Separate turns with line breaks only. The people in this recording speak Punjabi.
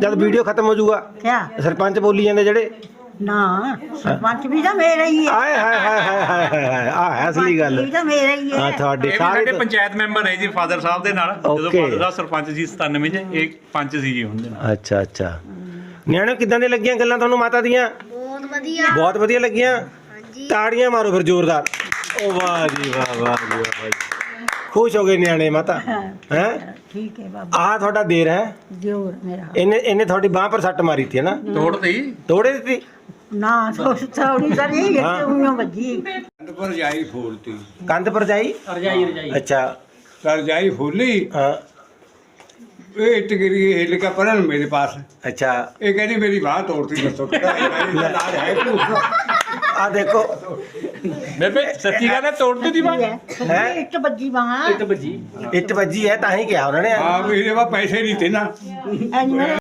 ਜਦ ਵੀਡੀਓ ਖਤਮ ਹੋ ਜਾਊਗਾ
क्या
ਸਰਪੰਚ ਬੋਲੀ ਜਾਂਦੇ ਜਿਹੜੇ
ना सरपंच भी तो मेरा ही है
ਆਏ ਹਾਏ ਹਾਏ ਹਾਏ ਹਾਏ ਹਾਏ ਹਾਏ ਆ ਹੈ ਅਸਲੀ ਗੱਲ
भी तो मेरा ही
ਹਾਂ
है
ਤੁਹਾਡੇ
ਇਹ ਵੀ
ਸਾਰੇ
ਸਾਡੇ ਪੰਚਾਇਤ ਮੈਂਬਰ ਹੈ ਜੀ ਫਾਦਰ ਸਾਹਿਬ ਦੇ ਨਾਲ ਜਦੋਂ
Okay.
ਫਾਦਰ ਸਾਹਿਬ ਸਰਪੰਚ ਜੀ 97 ਚ ਇਹ ਪੰਚ ਸੀ ਜੀ ਹੁੰਦੇ ਨਾਲ
ਅੱਛਾ ਅੱਛਾ ਨਿਆਣੇ ਕਿੱਦਾਂ ਦੀਆਂ ਲੱਗੀਆਂ ਗੱਲਾਂ ਤੁਹਾਨੂੰ ਮਾਤਾ ਦੀਆਂ ਬਹੁਤ ਵਧੀਆ ਲੱਗੀਆਂ ਤਾੜੀਆਂ ਮਾਰੋ ਫਿਰ ਜ਼ੋਰਦਾਰ ਓ ਵਾਹ ਜੀ ਵਾਹ ਵਾਹ ਜੀ ਵਾਹ ਭਾਈ ਖੁਸ਼ ਹੋ ਗਏ ਨਿਆਣੇ ਮਾਤਾ ਹੈ
ठीक है बाबा
ਆਹ ਤੁਹਾਡਾ ਦੇਰ ਹੈ
जोर मेरा
ਇਹਨੇ ਤੁਹਾਡੀ ਬਾਹ ਪਰ ਸੱਟ ਮਾਰੀ ਥੀ ਹੈ ਨਾ
ਤੋੜਤੀ
ਤੋੜੇ ਦਿੱਤੀ
ना थोड़ी सा नहीं
हाँ।
उन्होंने बजी
रजाई फूलती
ਕੰਧ ਪਰ ਜਾਈ ਅੱਛਾ
रजाई फूली
ਹਾਂ
ये इट गिरी हिल का परन मेरे पास
ਅੱਛਾ
ये कहती मेरी बाह तोड़ती दसो इलाज है कुछ
ਆ ਦੇਖੋ
ਬੇਬੇ ਸੱਚੀ ਗੱਲ ਹੈ ਤੋੜਤੀ ਦੀ ਬਾਤ
है?
इट बजी वहाँ
ਇੱਟ ਵੱਜੀ ਹੈ ਤਾਂ ਹੀ ਕਿਹਾ ਉਹਨਾਂ ਨੇ
हाँ मेरे पास पैसे नहीं थे ना
मेरा